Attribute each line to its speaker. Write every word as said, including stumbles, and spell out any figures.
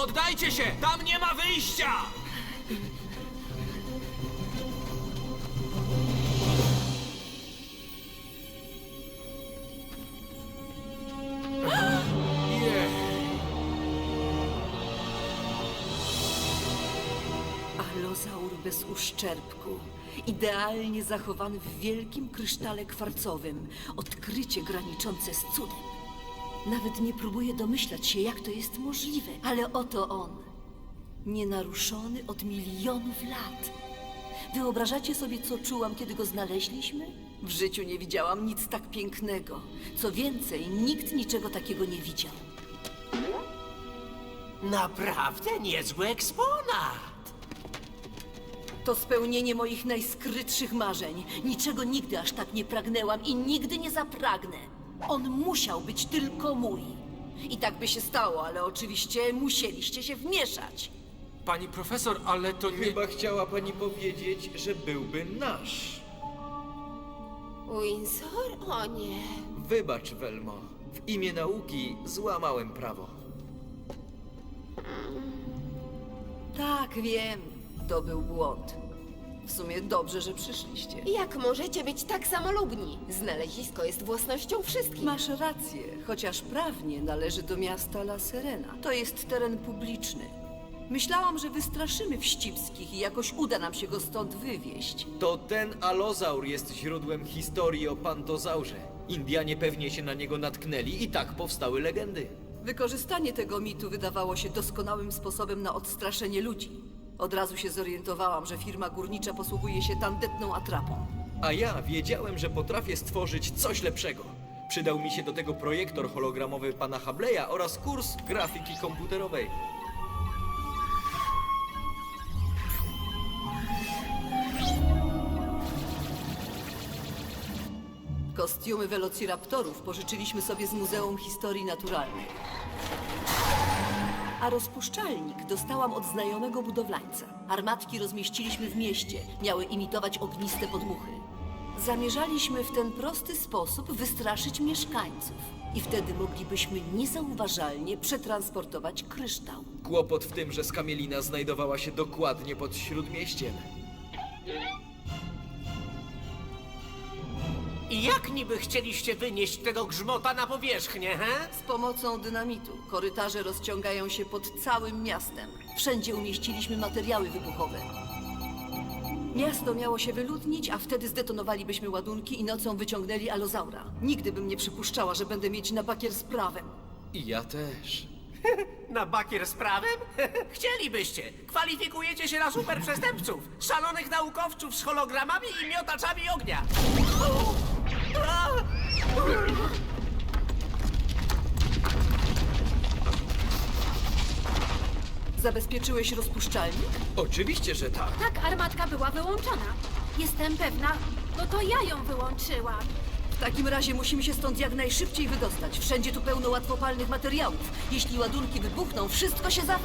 Speaker 1: poddajcie się! Tam nie ma wyjścia! Jej.
Speaker 2: Alozaur bez uszczerbku. Idealnie zachowany w wielkim krysztale kwarcowym. Odkrycie graniczące z cudem. Nawet nie próbuję domyślać się, jak to jest możliwe, ale oto on. Nienaruszony od milionów lat. Wyobrażacie sobie, co czułam, kiedy go znaleźliśmy? W życiu nie widziałam nic tak pięknego. Co więcej, nikt niczego takiego nie widział.
Speaker 3: Naprawdę niezły eksponat.
Speaker 2: To spełnienie moich najskrytszych marzeń. Niczego nigdy aż tak nie pragnęłam i nigdy nie zapragnę. On musiał być tylko mój. I tak by się stało, ale oczywiście musieliście się wmieszać.
Speaker 1: Pani profesor, ale to nie...
Speaker 4: Chyba chciała pani powiedzieć, że byłby nasz.
Speaker 5: Windsor? O nie.
Speaker 4: Wybacz, Velmo. W imię nauki złamałem prawo.
Speaker 2: Tak, wiem. To był błąd. W sumie dobrze, że przyszliście.
Speaker 5: Jak możecie być tak samolubni? Znalezisko jest własnością wszystkich.
Speaker 2: Masz rację, chociaż prawnie należy do miasta La Serena. To jest teren publiczny. Myślałam, że wystraszymy wścibskich i jakoś uda nam się go stąd wywieźć.
Speaker 4: To ten alozaur jest źródłem historii o pantozaurze. Indianie pewnie się na niego natknęli i tak powstały legendy.
Speaker 2: Wykorzystanie tego mitu wydawało się doskonałym sposobem na odstraszenie ludzi. Od razu się zorientowałam, że firma górnicza posługuje się tandetną atrapą.
Speaker 4: A ja wiedziałem, że potrafię stworzyć coś lepszego. Przydał mi się do tego projektor hologramowy pana Hableya oraz kurs grafiki komputerowej.
Speaker 2: Kostiumy velociraptorów pożyczyliśmy sobie z Muzeum Historii Naturalnej. A rozpuszczalnik dostałam od znajomego budowlańca. Armatki rozmieściliśmy w mieście. Miały imitować ogniste podmuchy. Zamierzaliśmy w ten prosty sposób wystraszyć mieszkańców. I wtedy moglibyśmy niezauważalnie przetransportować kryształ.
Speaker 4: Kłopot w tym, że skamielina znajdowała się dokładnie pod śródmieściem.
Speaker 3: I jak niby chcieliście wynieść tego grzmota na powierzchnię, he?
Speaker 2: Z pomocą dynamitu korytarze rozciągają się pod całym miastem. Wszędzie umieściliśmy materiały wybuchowe. Miasto miało się wyludnić, a wtedy zdetonowalibyśmy ładunki i nocą wyciągnęli alozaura. Nigdy bym nie przypuszczała, że będę mieć na bakier z prawem.
Speaker 4: I ja też.
Speaker 3: Na bakier z prawem? Chcielibyście. Kwalifikujecie się na super przestępców, szalonych naukowców z hologramami i miotaczami ognia.
Speaker 2: Zabezpieczyłeś rozpuszczalnik?
Speaker 4: Oczywiście, że tak.
Speaker 6: Tak, armatka była wyłączona. Jestem pewna, bo to ja ją wyłączyłam.
Speaker 2: W takim razie musimy się stąd jak najszybciej wydostać. Wszędzie tu pełno łatwopalnych materiałów. Jeśli ładunki wybuchną, wszystko się za...